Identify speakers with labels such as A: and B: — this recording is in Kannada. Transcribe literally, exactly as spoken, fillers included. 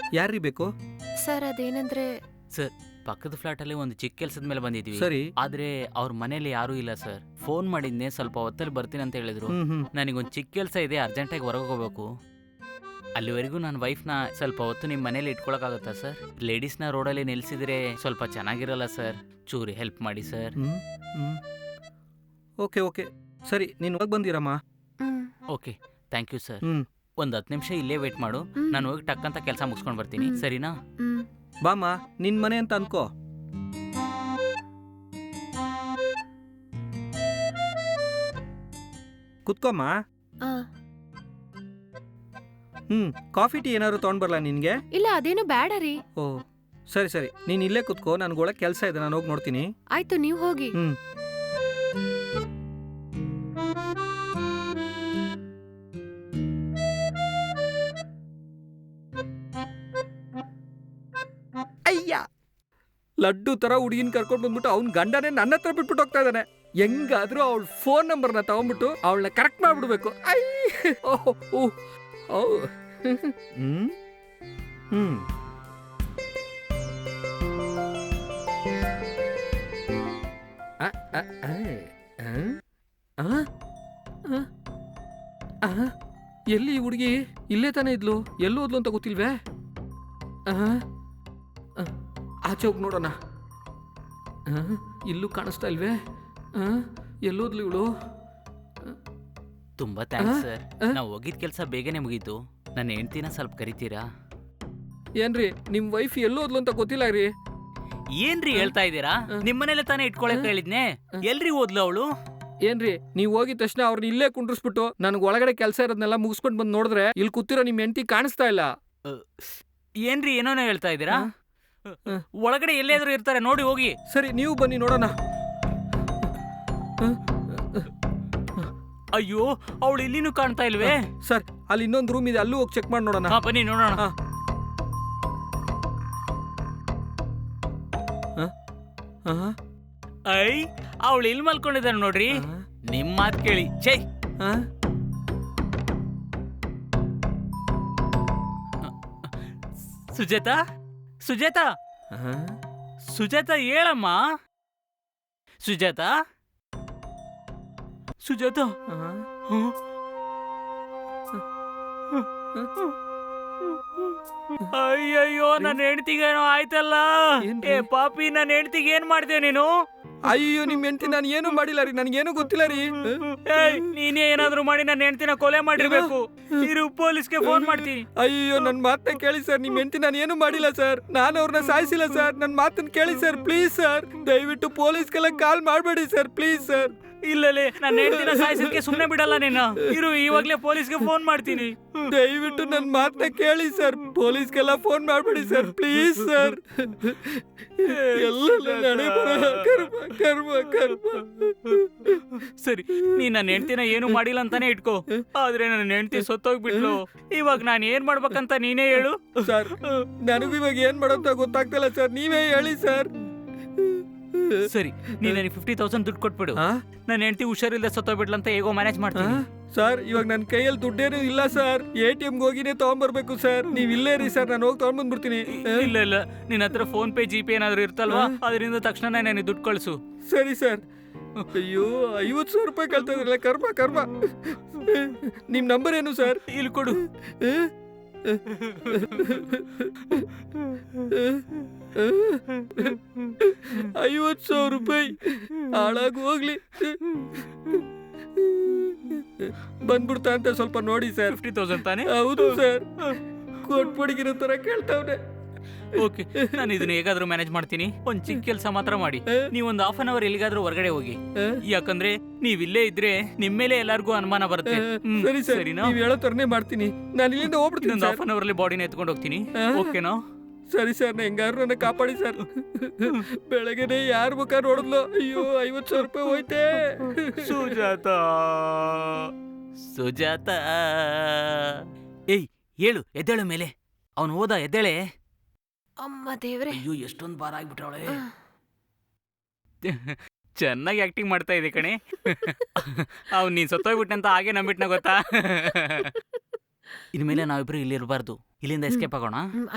A: ಯಾರ್ರೀ ಬೇಕು?
B: ಸರ್ ಅದೇನಂದ್ರೆ
C: ಸರ್, ಪಕ್ಕದ ಫ್ಲಾಟಲ್ಲಿ ಒಂದು ಚಿಕ್ಕ ಕೆಲಸದ ಮೇಲೆ ಬಂದಿದ್ವಿ.
A: ಸರಿ.
C: ಆದ್ರೆ ಅವ್ರ ಮನೇಲಿ ಯಾರೂ ಇಲ್ಲ ಸರ್. ಫೋನ್ ಮಾಡಿದ್ನೆ, ಸ್ವಲ್ಪ ಹೊತ್ತಲ್ಲಿ ಬರ್ತೀನಿ ಅಂತ ಹೇಳಿದ್ರು.
A: ಹ್ಮ್ ಹ್ಮ್
C: ನನಗೊಂದು ಚಿಕ್ಕ ಕೆಲಸ ಇದೆ, ಅರ್ಜೆಂಟಾಗಿ ಹೊರಗೆ ಹೋಗ್ಬೇಕು. ಅಲ್ಲಿವರೆಗೂ ನನ್ನ ವೈಫ್ನ ಸ್ವಲ್ಪ ಹೊತ್ತು ನಿಮ್ಮ ಮನೇಲಿ ಇಟ್ಕೊಳಕ್ಕಾಗತ್ತಾ ಸರ್? ಲೇಡೀಸ್ನ ರೋಡಲ್ಲಿ ನಿಲ್ಸಿದ್ರೆ ಸ್ವಲ್ಪ ಚೆನ್ನಾಗಿರಲ್ಲ ಸರ್. ಚೂರಿ ಹೆಲ್ಪ್ ಮಾಡಿ sir.
A: Hmm hmm okay okay ಸರಿ, ನೀನು ಹೋಗಿ ಬಂದಿರಮ್ಮ.
B: Hmm
C: okay, thank you sir.
A: Hmm
C: ಒಂದು ಹತ್ತು ನಿಮಿಷ ಇಲ್ಲೇ ವೇಟ್ ಮಾಡು,
B: ಹ್ಮ್.
C: ನಾನು ಹೋಗಿ ಟಕ್ ಅಂತ ಕೆಲಸ ಮುಗಿಸ್ಕೊಂಡು ಬರ್ತೀನಿ,
B: ಹ್ಮ್.
C: ಸರಿನಾ?
B: ಹ್ಮ್
A: ಬಾಮ್ಮ, ನಿನ್ ಮನೆ ಅಂತ ಅನ್ಕೋ. ಕುತ್ಕೊಮ್ಮ.
B: ಆ,
A: ಹ್ಮ್ ಕಾಫಿ ಟೀ ಏನಾದ್ರು ತಗೊಂಡ್ ಬರ್ಲಾ ನಿನ್ಗೆ?
B: ಇಲ್ಲ ಅದೇನು ಬೇಡ ರೀ.
A: ಓ ಸರಿ ಸರಿ, ನೀನ್ ಇಲ್ಲೇ ಕುತ್ಕೋ, ನನ್ಗೊಳಗೆ ಕೆಲಸ ಇದೆ, ನಾನು ಹೋಗಿ ನೋಡ್ತೀನಿ.
B: ಆಯ್ತು, ನೀವ್ ಹೋಗಿ.
A: ಹ್ಮ್ ಅಯ್ಯ, ಲಡ್ಡು ತರ ಹುಡುಗಿನ ಕರ್ಕೊಂಡು ಬಂದ್ಬಿಟ್ಟು ಅವ್ನ ಗಂಡನೇ ನನ್ನ ಹತ್ರ ಬಿಟ್ಬಿಟ್ಟು ಹೋಗ್ತಾ ಇದ್ದಾನೆ. ಹೆಂಗಾದ್ರೂ ಅವಳ ಫೋನ್ ನಂಬರ್ನ ತಗೊಂಡ್ಬಿಟ್ಟು ಅವಳನ್ನ ಕರೆಕ್ಟ್ ಮಾಡ್ಬಿಡ್ಬೇಕು. ಐ ಓಹ್ ಓಹ್ ಓ ಹ್ಮ್ ಹ್ಮ್ ಆ, ಆ, ಆ, ಆ, ಆ, ಆ, ಎಲ್ಲಿ ಈ ಹುಡುಗಿ? ಇಲ್ಲೇ ತಾನೇ ಇದ್ಲು, ಎಲ್ಲೂ ಹೋದ್ಲು ಅಂತ ಗೊತ್ತಿಲ್ವೇ? ಆ, ಆ, ಆಚೆ ಹೋಗಿ ನೋಡೋಣ. ಆ, ಇಲ್ಲೂ ಕಾಣಿಸ್ತಾ ಇಲ್ವೇ? ಆ, ಎಲ್ಲೋದ್ಲು ಇವಳು?
C: ತುಂಬಾ ಥ್ಯಾಂಕ್ಸ್
A: ಆ?
C: ಸರ್.
A: ಆ?
C: ನಾವು ಹೋಗಿದ ಕೆಲಸ ಬೇಗನೆ ಮುಗೀತು. ನನ್ನ ಹೆಂಡ್ತಿನ ಸ್ವಲ್ಪ ಕರಿತೀರಾ?
A: ಏನ್ರಿ ನಿಮ್ ವೈಫ್ ಎಲ್ಲೋದ್ಲು ಅಂತ ಗೊತ್ತಿಲ್ಲ ರೀ.
C: ಏನ್ರಿ ಹೇಳ್ತಾ ಇದ್ದೀರಾ? ನಿಮ್ಮನೇಲೆ ತಾನೇ ಇಟ್ಕೊಳಕ್ ಹೇಳಿದ್ನೆ, ಎಲ್ರಿ ಓದ್ಲು ಅವಳು?
A: ಏನ್ರಿ ನೀವ್ ಹೋಗಿದ ತಕ್ಷಣ ಅವ್ರನ್ನ ಇಲ್ಲೇ ಕುಂಡ್ರಿಸ್ಬಿಟ್ಟು ನನಗೆ ಒಳಗಡೆ ಕೆಲಸ ಇರೋದನ್ನೆಲ್ಲ ಮುಗಿಸ್ಕೊಂಡು ಬಂದು ನೋಡಿದ್ರೆ ಇಲ್ಲಿ ಕೂತಿರೋ ನಿಮ್ ಹೆಂಡತಿ ಕಾಣಿಸ್ತಾ ಇಲ್ಲ.
C: ಏನ್ರಿ ಏನೋನೋ ಹೇಳ್ತಾ ಇದ್ದೀರಾ?
A: ಆ?
C: ಒಳಗಡೆ ಎಲ್ಲಾದ್ರೂ ಇರ್ತಾರೆ, ನೋಡಿ ಹೋಗಿ.
A: ಸರಿ, ನೀವು ಬನ್ನಿ ನೋಡೋಣ.
C: ಅಯ್ಯೋ, ಅವಳು ಇಲ್ಲಿನೂ ಕಾಣ್ತಾ ಇಲ್ವೇ?
A: ಸರ್, ಅಲ್ಲಿ ಇನ್ನೊಂದು ರೂಮ್ ಇದೆ, ಅಲ್ಲೂ ಹೋಗಿ ಚೆಕ್ ಮಾಡಿ ನೋಡೋಣ.
C: ಹಾ, ಬನ್ನಿ ನೋಡೋಣ.
A: ಆ. ಆ?
C: ಐ, ಅವಳು ಇಲ್ಲಿ ಮಲ್ಕೊಂಡಿದ್ದಾಳೆ ನೋಡ್ರಿ.
A: ಆ?
C: ನಿಮ್ ಮಾತ್ ಕೇಳಿ. ಛೈ,
A: ಆ?
C: ಸುಜಾತ, ಸುಜಾತ,
A: ಆ?
C: ಸುಜಾತ ಹೇಳಮ್ಮ. ಸುಜಾತ, ಸುಜಾತ.
A: ಆ?
C: ಹ್ಮ್. ಅಯ್ಯಯ್ಯೋ, ನನ್ನ ಹೆಂಡತಿಗೇನೋ ಆಯ್ತಲ್ಲ.
A: ಏನ್ರಿ?
C: ಏ ಪಾಪಿ, ನನ್ನ ಹೆಂಡತಿಗೆ ಏನ್ ಮಾಡ್ತೀಯ ನೀನು?
A: ಅಯ್ಯೋ, ನಿಮ್ ಹೆಂಡತಿ ನಾನು ಏನು ಮಾಡಿಲ್ಲ ರೀ, ನನಗೇನು ಗೊತ್ತಿಲ್ಲ ರೀ.
C: ಏಯ್, ನೀನೇ ಏನಾದ್ರೂ ಮಾಡಿ ನನ್ನ ಹೆಂಡತಿನ ಕೊಲೆ ಮಾಡಿರ್ಬೇಕು. ಇರು, ಪೊಲೀಸ್ಗೆ ಫೋನ್ ಮಾಡ್ತೀನಿ.
A: ಅಯ್ಯೋ, ನನ್ನ ಮಾತನ್ನ ಕೇಳಿ ಸರ್, ನಿಮ್ ಹೆಂಡತಿ ನಾನು ಏನು ಮಾಡಿಲ್ಲ ಸರ್, ನಾನು ಅವ್ರನ್ನ ಸಾಯಿಸಿಲ್ಲ ಸರ್, ನನ್ನ ಮಾತನ್ನ ಕೇಳಿ ಸರ್, ಪ್ಲೀಸ್ ಸರ್, ದಯವಿಟ್ಟು ಪೊಲೀಸ್ಗೆಲ್ಲ ಕಾಲ್ ಮಾಡಬೇಡಿ ಸರ್, ಪ್ಲೀಸ್ ಸರ್.
C: ಇಲ್ಲಲೇ, ನನ್ನ ಹೆಂಡತಿನ ಸಾಯಿಸೋದಕ್ಕೆ ಸುಮ್ಮನೆ ಬಿಡಲ್ಲ ನೀನು. ಇರು, ಇವಾಗ್ಲೇ ಪೊಲೀಸ್ಗೆ ಫೋನ್ ಮಾಡ್ತೀನಿ.
A: ದಯವಿಟ್ಟು ನನ್ನ ಮಾತನ್ನ ಕೇಳಿ ಸರ್, ಪೊಲೀಸ್ಗೆಲ್ಲ ಫೋನ್ ಮಾಡಬೇಡಿ ಸರ್, ಪ್ಲೀಸ್ ಸರ್. ಎಲ್ಲ ನನ್ನ ಹಣೆ ಬರಹ, ಕರ್ಮ ಕರ್ಮ ಕರ್ಮ.
C: ಸರಿ, ನೀನ್ ನನ್ನ ಹೆಂಡತಿನ ಏನು ಮಾಡಿಲ್ಲ ಅಂತಾನೆ ಇಟ್ಕೋ. ಆದ್ರೆ ನನ್ನ ಹೆಂಡತಿ ಸತ್ತೋಗ್ಬಿಟ್ಲು. ಇವಾಗ ನಾನು ಏನ್ ಮಾಡ್ಬೇಕಂತ ನೀನೇ ಹೇಳು.
A: ಸರ್, ನನಗೂ ಇವಾಗ ಏನ್ ಮಾಡೋಂತ ಗೊತ್ತಾಗ್ತಿಲ್ಲ ಸರ್, ನೀವೇ ಹೇಳಿ ಸರ್.
C: ಸರಿ, ನೀನ್ ನನಗೆ ಫಿಫ್ಟಿ ತೌಸಂಡ್ ದುಡ್ಡು ಕೊಟ್ಬಿಡು.
A: ಆ?
C: ನನ್ನ ಹೆಂಡತಿ ಹುಷಾರಿಲ್ಲದೆ ಸತ್ತೋಗ್ಬಿಡ್ಲು ಅಂತ ಹೇಗೋ ಮ್ಯಾನೇಜ್
A: ಆ?
C: ಮಾಡ್ತೀನಿ.
A: ಸರ್, ಇವಾಗ ನನ್ನ ಕೈಯಲ್ಲಿ ದುಡ್ಡೇನು ಇಲ್ಲ ಸರ್, ಎ ಟಿ ಎಮ್ಗೆ ಹೋಗಿನೇ ತಗೊಂಡ್ಬರ್ಬೇಕು ಸರ್, ನೀವ್ ಇಲ್ಲೇ ರೀ ಸರ್, ನಾನು ಹೋಗಿ ತಗೊಂಡ್ಬಂದ್ಬಿಡ್ತೀನಿ.
C: ಇಲ್ಲ ಇಲ್ಲ, ನಿನ್ನ ಹತ್ರ ಫೋನ್ ಪೇ ಜಿ ಪೇ ಏನಾದ್ರು ಇರ್ತಲ್ವಾ, ಅದರಿಂದ ತಕ್ಷಣ ನನಗೆ ದುಡ್ಡು ಕಳಿಸು.
A: ಸರಿ ಸರ್. ಅಯ್ಯೋ, ಐವತ್ತು ಸಾವಿರ ರೂಪಾಯಿ ಕಳ್ತಾ ಇದ್ರಲ್ಲ, ಕರ್ಮ ಕರ್ಮ. ನಿಮ್ ನಂಬರ್ ಏನು ಸರ್?
C: ಇಲ್ಲಿ ಕೊಡು.
A: ಐವತ್ತು ಸಾವಿರ ರೂಪಾಯಿ ಹಾಳಾಗಿ ಹೋಗ್ಲಿ. ಬಂದ್ಬಿಡ್ತಾ ಅಂತ ಸ್ವಲ್ಪ ನೋಡಿ ಸರ್.
C: ಫಿಫ್ಟಿ ತೌಸಂಡ್ ತಾನೆ?
A: ಹೌದು ಸರ್, ಕೊಟ್ಬಿಡಿಗಿರೋ ತರ ಕೇಳ್ತಾವ್ರೆ.
C: ಓಕೆ, ನಾನು ಇದನ್ನ ಹೇಗಾದ್ರೂ ಮ್ಯಾನೇಜ್ ಮಾಡ್ತೀನಿ. ಒಂದ್ ಚಿಕ್ಕ ಕೆಲಸ ಮಾತ್ರ ಮಾಡಿ, ನೀವೊಂದು ಹಾಫ್ ಅನ್ ಅವರ್ ಎಲ್ಲಿಗಾದ್ರೂ ಹೊರಗಡೆ ಹೋಗಿ. ಯಾಕಂದ್ರೆ ನೀವ್ ಇಲ್ಲೇ ಇದ್ರೆ ನಿಮ್ ಮೇಲೆ ಎಲ್ಲಾರ್ಗೂ ಅನುಮಾನ ಬರುತ್ತೆ. ಹ್ಮ್,
A: ಸರಿ ಸರ್,
C: ಸರಿನಾ?
A: ನೀವ್ ಹೇಳೋ ತರನೇ ಮಾಡ್ತೀನಿ, ನಾನು ಇಲ್ಲಿಂದ ಹೋಗ್ಬಿಡ್ತೀನಿ
C: ಇನ್ನೊಂದು
A: ಸರ್.
C: ಹಾಫ್ ಅನ್ ಅವರ್ ಅಲ್ಲಿ ಬಾಡಿನ ಎತ್ಕೊಂಡು ಹೋಗ್ತೀನಿ.
A: ಆ?
C: ಓಕೆನಾ?
A: ಸರಿ ಸರ್, ನಾ ಹೆಂಗಾರು ನನ್ನ ಕಾಪಾಡಿ ಸರ್. ಬೆಳಗ್ಗೆನೆ ಯಾರ ಮುಖ ನೋಡಿದ್ಲು, ಅಯ್ಯೋ ಐವತ್ತು ಸಾವಿರ ರೂಪಾಯಿ ಹೋಯ್ತೆ.
C: ಸುಜಾತ, ಸುಜಾತ, ಏಯ್ ಹೇಳು, ಎದ್ದೇಳು ಮೇಲೆ. ಅವನು ಹೋದ, ಎದ್ದೇಳೆ.
B: ಅಮ್ಮ ದೇವ್ರೆ.
C: ಅಯ್ಯೋ, ಎಷ್ಟೊಂದು ಬಾರ ಆಗ್ಬಿಟ್ರವಳೆ. ಚೆನ್ನಾಗಿ ಆಕ್ಟಿಂಗ್ ಮಾಡ್ತಾ ಇದೆ ಕಣೆ. ಅವ್ನು ನೀನ್ ಸತ್ತೋಗ್ಬಿಟ್ಟಂತ ಹಾಗೆ ನಂಬಿಟ್ನ ಗೊತ್ತಾ. ಇನ್ಮೇಲೆ ನಾವಿಬ್ರು ಇಲ್ಲಿ ಇರಬಾರ್ದು, ಇಲ್ಲಿಂದ ಎಸ್ಕೇಪ್ ಆಗೋಣ.